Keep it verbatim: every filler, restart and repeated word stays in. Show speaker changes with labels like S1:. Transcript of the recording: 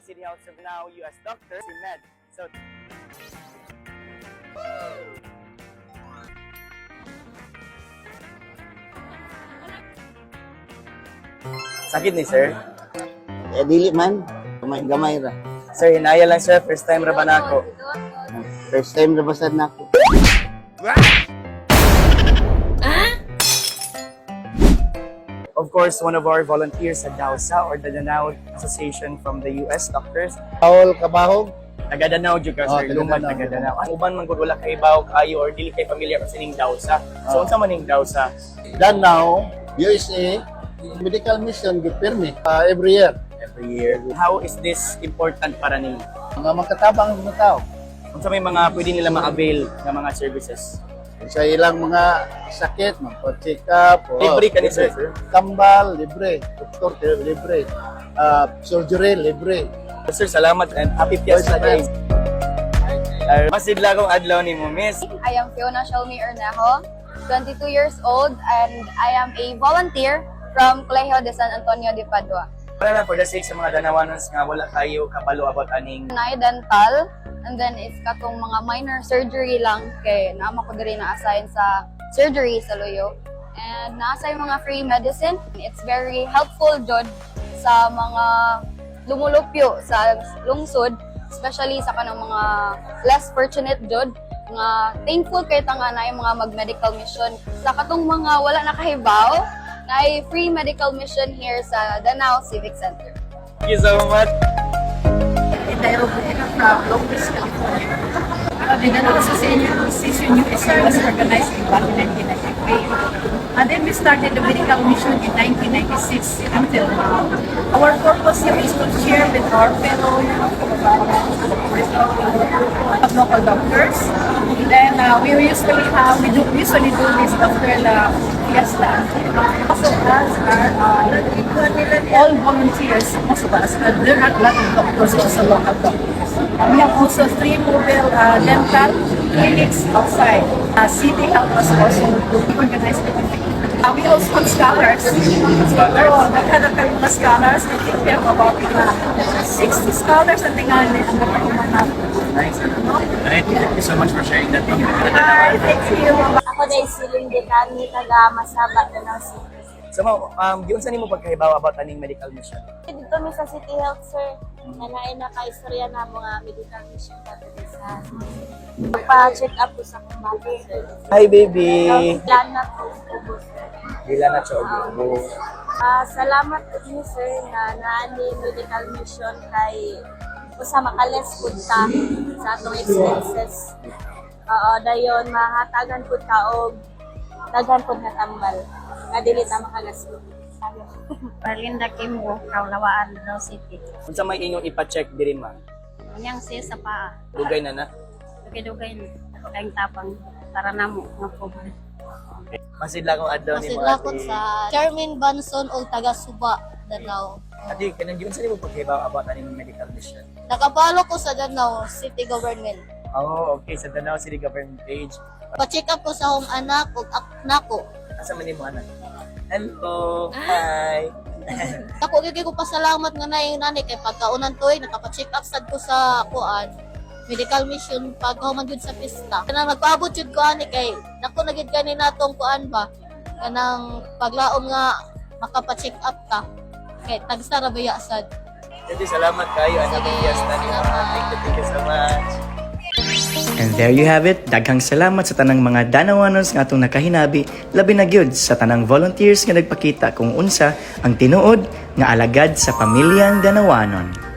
S1: City House of Now U S Doctor si Med. So, sakit ni sir.
S2: Eh, dili man. Gamay-gamay ra.
S1: Sir, hinaya lang sir. First time ra ba na ako?
S2: First time na basad na ako.
S1: Of course, one of our volunteers sa DAOSA or the Danao Association from the U S Doctors.
S2: Paul Kabahog.
S1: Taga-Danao jud ka
S2: Oh,
S1: sir, lumad
S2: taga-Danao.
S1: taga-Danao. Ang uban man gud wala kay bawo kayo or dili kay pamilya kasi ning DAOSA. So
S2: Oh.
S1: unsa man ning DAOSA?
S2: Danao, U S A, medical mission gipirmi uh, every year.
S1: Every year. How is this important para nimo?
S2: Mga magkatabang mga tao.
S1: Unsa may mga pwede nila ma-avail nga mga services?
S2: Sa ilang mga sakit, magpa-check up. oh,
S1: Libre ka ni sir, sir.
S2: Tambal, libre. Doktor, libre. Uh, surgery, libre.
S1: Sir, salamat and happy Fiesta Day. Uh, Masidla kong adlaw nimo, miss.
S3: I am Fiona Shalmi Ernejo, twenty-two years old, and I am a volunteer from Colegio de San Antonio de Padua.
S1: Para lang for the sake sa mga Danawanons nga wala kayo kabalo about aning
S3: Nai dental, and then is katong mga minor surgery lang kay naama ko diri na-assign sa surgery sa Loyo. And na-assign mga free medicine. It's very helpful jud sa mga lumulupyo sa lungsod, especially sa kanang mga less fortunate jud nga thankful kay tanga na yung mga mag-medical mission. Sa katong mga wala nakahibaw, na ay free medical mission here sa Danao Civic Center.
S1: Thank you so much.
S4: Roberta from Long Beach, California. Uh, the Danao Association U S A was organized in nineteen ninety-three. And then we started the medical mission in nineteen ninety-six until now. Our purpose here is to share with our fellow of local doctors. Then uh, we usually have, we do, usually do this after the fiesta. Also as are uh, all volunteers, most of us, but there are a lot of doctors, also local doctors. We have also three mobile uh, dental clinics outside. Uh, City help us also organize everything. Uh, we also have scholars. Oh, naghanap kami mga scholars. I think we have about uh, sixty scholars na tingali ang napakuman natin.
S1: Nice. Alright, thank you so much for sharing that.
S4: Hi, thank you.
S5: Ako na isiling din kami taga Masaba, Danao City.
S1: So, ma'am, um, giun sa nimo pagkahibaw about aning medical mission?
S5: Dito mi sa City Health, sir. Nanaay na ka-istorya na mga medical mission natin sa pa-check up po sa kumbate, sir.
S1: Hi, baby!
S5: Plan na po, ubos, sir.
S1: Dila na siya. Oh.
S5: Ah, salamat po niyo, sir, na naani medical mission kay usa makales pud ta sa atong expenses. Oo, dayon mahatagan pud ta og daghan pud nga tambal. Nga dili ta makagastos.
S6: Berlinda Kimbo, Kaulawaan, Danao City.
S1: Unsa may inyong ipa-check diri, ma'am?
S6: Kanyang siya sa paa.
S1: Dugay na na.
S6: Dugay-dugay na. Kayong tapang para namo nga pobre.
S1: Okay. Masidla kong adlaw nimo.
S7: Masidlakon sa Charmin Banson o taga Suba, Danao.
S1: Ati, kanang giun sa nimo pagkahibaw about aning medical mission?
S7: Nakapalo ko sa Danao City Government.
S1: Oh, okay. Sa Danao City Government page.
S7: Pa-check up ko sa akong anak o anak ko.
S1: Asa man nimo anak? Hello. Hi.
S7: Ako gyud ko pasalamat nga na yung nanay kay pagkaunan toy nakapa-check up sad ko sa kuan medical mission paghuman jud sa pista. Kanang nagpaabot jud ko ani kay nako nagid kani natong kuan ba kanang paglaom nga makapa-check up ka. Kay tagsa ra baya sad.
S1: Jadi salamat kayo anak
S7: Sige,
S1: Fiesta ni
S7: salamat.
S1: Thank you, thank you so much.
S8: And there you have it. Daghang salamat sa tanang mga Danawanos nga atong nakahinabi, labi na gyud sa tanang volunteers nga nagpakita kung unsa ang tinuod nga alagad sa pamilyang Danawanon.